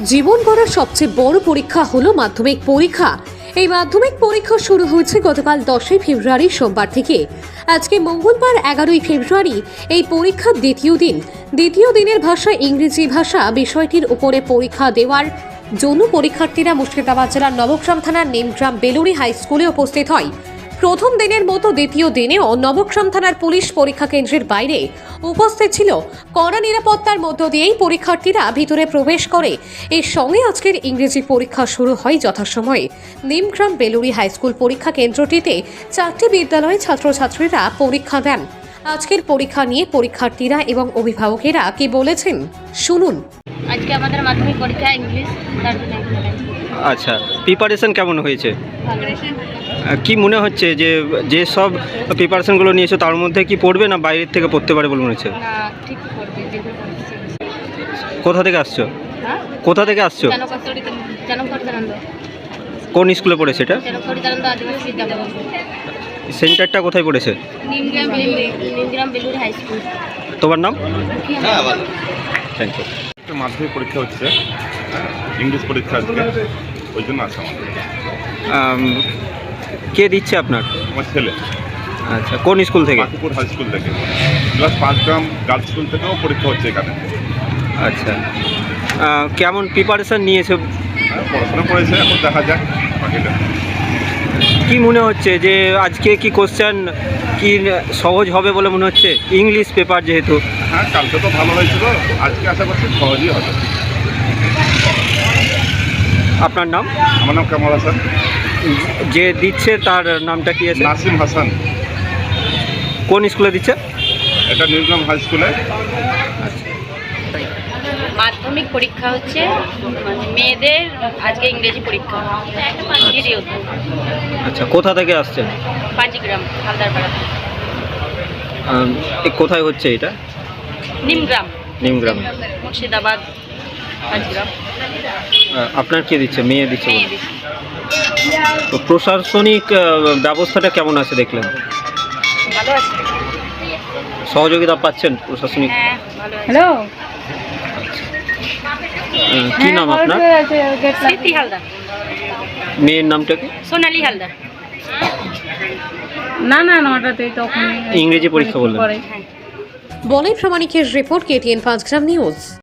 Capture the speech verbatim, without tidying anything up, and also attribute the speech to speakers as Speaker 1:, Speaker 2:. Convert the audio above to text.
Speaker 1: জীবন গড়ার সবচেয়ে বড় পরীক্ষা হলো মাধ্যমিক পরীক্ষা। এই মাধ্যমিক পরীক্ষা শুরু হয়েছে গতকাল দশই ফেব্রুয়ারি সোমবার থেকে। আজকে মঙ্গলবার এগারোই ফেব্রুয়ারি এই পরীক্ষার দ্বিতীয় দিন। দ্বিতীয় দিনের ভাষা ইংরেজি ভাষা বিষয়টির উপরে পরীক্ষা দেওয়ার জন্য পরীক্ষার্থীরা মুর্শিদাবাদ জেলার নবগ্রাম থানার নিমগ্রাম বেলুড়ি হাই স্কুলে উপস্থিত হয়। প্রথম দিনের মতো দ্বিতীয় দিনেও নবগ্রাম থানার পুলিশ পরীক্ষা কেন্দ্রের বাইরে উপস্থিত ছিল। কড়া নিরাপত্তার মধ্য দিয়েই পরীক্ষার্থীরা ভিতরে প্রবেশ করে। এর সঙ্গে আজকের ইংরেজি পরীক্ষা শুরু হয় যথাসময়ে। নিমগ্রাম বেলুড়ি হাই স্কুল পরীক্ষা কেন্দ্রটিতে চারটি বিদ্যালয়ের ছাত্রছাত্রীরা পরীক্ষা দেন। আজকের পরীক্ষা নিয়ে পরীক্ষার্থীরা এবং অভিভাবকেরা কি বলেছেন শুনুন।
Speaker 2: আজকে আমাদের মাধ্যমিক পরীক্ষা ইংলিশ। তার জন্য
Speaker 3: আচ্ছা, প্রিপারেশন কেমন হয়েছে?
Speaker 2: ভালো।
Speaker 3: আহ, কি মনে হচ্ছে যে যে সব প্রিপারেশনগুলো নিয়েছো তার মধ্যে কি পড়বে না বাইরের থেকে পড়তে পারে বলে মনে হচ্ছে?
Speaker 2: না, ঠিক করবে যেগুলো করছে।
Speaker 3: কোথা থেকে আসছো?
Speaker 2: হ্যাঁ,
Speaker 3: কোথা থেকে আসছো?
Speaker 2: জনকস্তরী জনকরিতানন্দ
Speaker 3: কোন স্কুলে পড়েছে এটা?
Speaker 2: জনকরিতানন্দ আদিবাসী বিদ্যালয়।
Speaker 3: সেন্টারটা কোথায় পড়েছে?
Speaker 2: Nimgram Beluri Nimgram Beluri high school.
Speaker 3: তোমার নাম? Thank you.
Speaker 4: একটা মাধ্যমিক পরীক্ষা হচ্ছে, ইংলিশ পরীক্ষা আজকে, ওই জন্য আসা আমাদের।
Speaker 3: আম, কে দিচ্ছে আপনার?
Speaker 4: আমার ছেলে
Speaker 3: আচ্ছা, কোন স্কুল থেকে?
Speaker 4: বাঁকুপুর হাই স্কুল থেকে, প্লাস পাঁচগ্রাম গার্লস স্কুল থেকেও পরীক্ষা হচ্ছে এখানে।
Speaker 3: আচ্ছা, আহ, কেমন প্রিপারেশন নিয়েছে?
Speaker 4: হ্যাঁ, পড়াশোনা করেছে, এখন দেখা যাক বাকিটা।
Speaker 3: কি মনে হচ্ছে যে আজকে কি কোশ্চেন কি সহজ হবে বলে মনে হচ্ছে? ইংলিশ পেপার যেহেতু।
Speaker 4: হ্যাঁ, কালকে তো ভালো হয়েছিল, আজকে আশা করছি সহজই হবে।
Speaker 3: আপনার নাম?
Speaker 4: আমার নাম কামাল হাসান।
Speaker 3: যে দিচ্ছে তার নামটা কি আছে?
Speaker 4: নাসিম হাসান।
Speaker 3: কোন স্কুলে দিচ্ছে?
Speaker 4: এটা নিউগ্রাম হাই স্কুলে।
Speaker 2: মাধ্যমিক পরীক্ষা হচ্ছে মানে মেয়েদের আজকে ইংরেজি পরীক্ষা।
Speaker 3: আচ্ছা, কোথা থেকে আসছেন?
Speaker 2: পাঁচগ্রাম হালদারপাড়া।
Speaker 3: আম, এ কোথায় হচ্ছে এটা?
Speaker 2: নিমগ্রাম
Speaker 3: নিমগ্রাম।
Speaker 2: মুর্শিদাবাদ পাঁচগ্রাম।
Speaker 3: আহ, আপনার কে দিচ্ছে? মেয়ে দিচ্ছে
Speaker 2: মেয়ে
Speaker 3: বলে।
Speaker 2: দিচ্ছে।
Speaker 3: তো প্রশাসনিক আহ, ব্যবস্থাটা কেমন আছে দেখলেন?
Speaker 2: ভালো আছে।
Speaker 3: সহযোগিতা পাচ্ছেন প্রশাসনিক?
Speaker 2: হ্যাঁ, ভালো আছে।
Speaker 5: হ্যালো,
Speaker 3: আহ, কি নাম আপনার?
Speaker 2: স্মৃতি হালদার।
Speaker 3: মেয়ের নামটা কি?
Speaker 2: সোনালী হালদার।
Speaker 5: না না নটাতে তখন
Speaker 3: ইংরেজি পরীক্ষা বললেন।
Speaker 5: পরে।
Speaker 1: বলাই প্রামাণিকের রিপোর্ট, কেটিএন পাঁচগ্রাম নিউজ।